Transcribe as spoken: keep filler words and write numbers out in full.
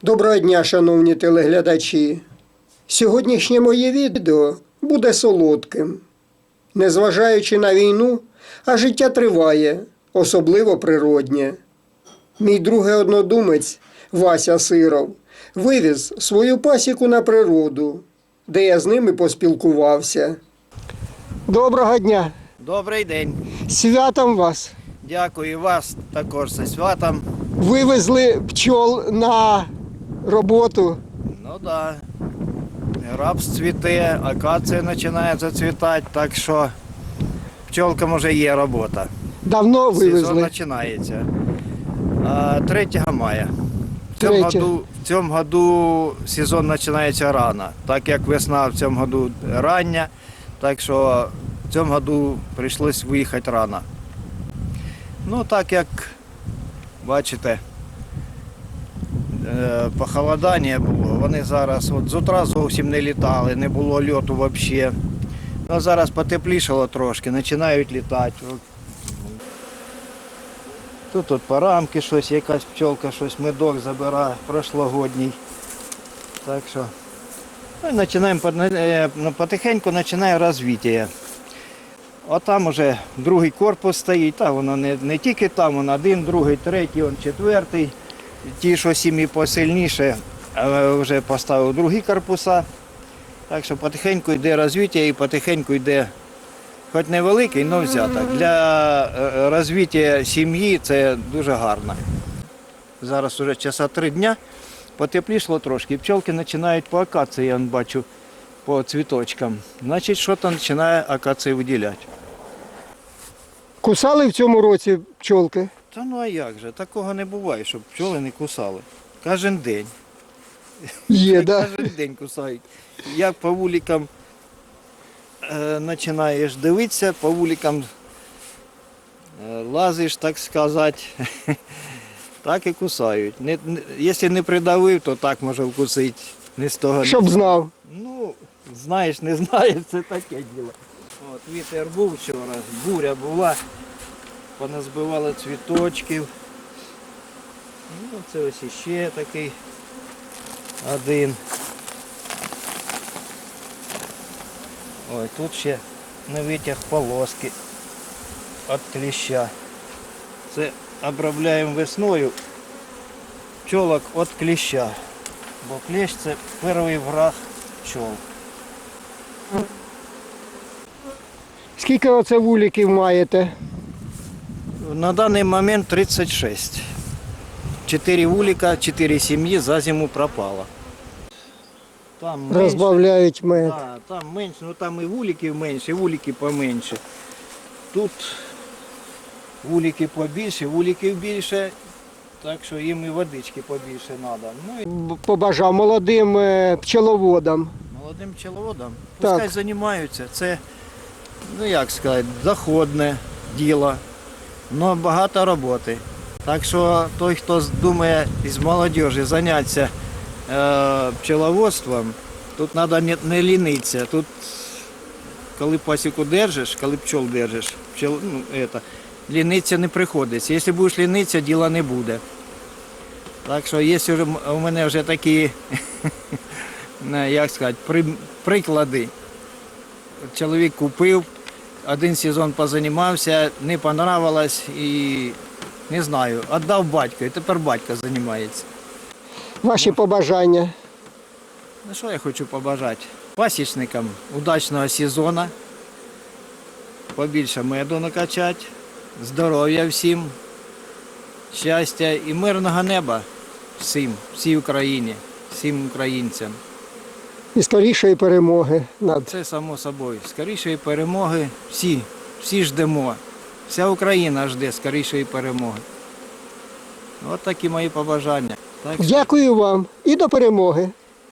Доброго дня, шановні телеглядачі! Сьогоднішнє моє відео буде солодким. Незважаючи на війну, а життя триває, особливо природнє. Мій другий однодумець Вася Сиров вивіз свою пасіку на природу, де я з ними поспілкувався. Доброго дня! Добрий день. Святом вас! Дякую вас також зі святом. Вивезли пчол на роботу. Ну так. Да. Рапс цвіте, акація починає зацвітати, так що пчолкам вже є робота. Давно Сезон вивезли? починається. А, третього мая. В цьому, Третє. году, в цьому году сезон починається рано, так як весна в цьому году рання, так що в цьому году прийшлось виїхати рано. Ну так як бачите, похолодання було, вони зараз от з утра зовсім не літали, не було льоту взагалі. Ну, зараз потеплішало трошки, починають літати. Тут от по рамки щось, якась пчолка, щось медок забирає, прошлогодній. Так що ну, і починаємо, потихеньку починає розвиття. А там вже другий корпус стоїть, та воно не, не тільки там, воно один, другий, третій, он четвертий. Ті, що сім'ї посильніше, вже поставив другі корпуса. Так що потихеньку йде розвиття і потихеньку йде, хоч невеликий, але взяток. Для розвиття сім'ї це дуже гарно. Зараз вже часа три дня, потеплішало трошки. Пчолки починають по акації, я бачу, по цвіточкам. Значить, щось починає акації виділяти. Кусали в цьому році пчолки? Та ну а як же, такого не буває, щоб пчоли не кусали. Кожен день. Є, да? Кожен день кусають. Як по вуликам е, починаєш дивитися, по вуликам е, лазиш, так сказати, так і кусають. Не, не, якщо не придавив, то так може вкусити. Не з того. Щоб знав. Ну, знаєш, не знаєш, це таке діло. От, вітер був вчора, буря була, поназбивали цвіточків. Ну, це ось іще такий один. Ой, тут ще не витяг полоски від кліща. Це обробляємо весною пчолок від кліща, бо кліщ це перший враг пчол. Скільки оце вуликів маєте? На даний момент тридцять шість. Чотири вулика, чотири сім'ї за зиму пропало. Там менше, Розбавляють мед. да, там менше, ну там і вуликів менше, і вулики поменше. Тут вулики побільше, вуликів більше, так що їм і водички побільше треба. Ну, і Побажав молодим е, пчеловодам. молодим пчеловодам Так. пускай займаються. Це, ну як сказати, доходне діло, але багато роботи. Так що той, хто думає із молодіжі зайнятися е, пчеловодством, тут треба не, не лінитися. Тут, коли пасіку держиш, коли пчол держиш, пчел, ну, это, лінитися не приходиться. Якщо будеш лінитися, діла не буде. Так що є вже, у мене вже такі, як сказати, при, приклади. Чоловік купив, один сезон позанімався, не понравилось і, не знаю, віддав батьку, і тепер батько займається. Ваші побажання. Ну що я хочу побажати? Пасічникам удачного сезону, побільше меду накачати, здоров'я всім, щастя і мирного неба всім, всій Україні, всім українцям. І скорішої перемоги над. Це само собою. Скорішої перемоги всі, всі ждемо. Вся Україна жде скорішої перемоги. От такі мої побажання. Так що Дякую вам і до перемоги.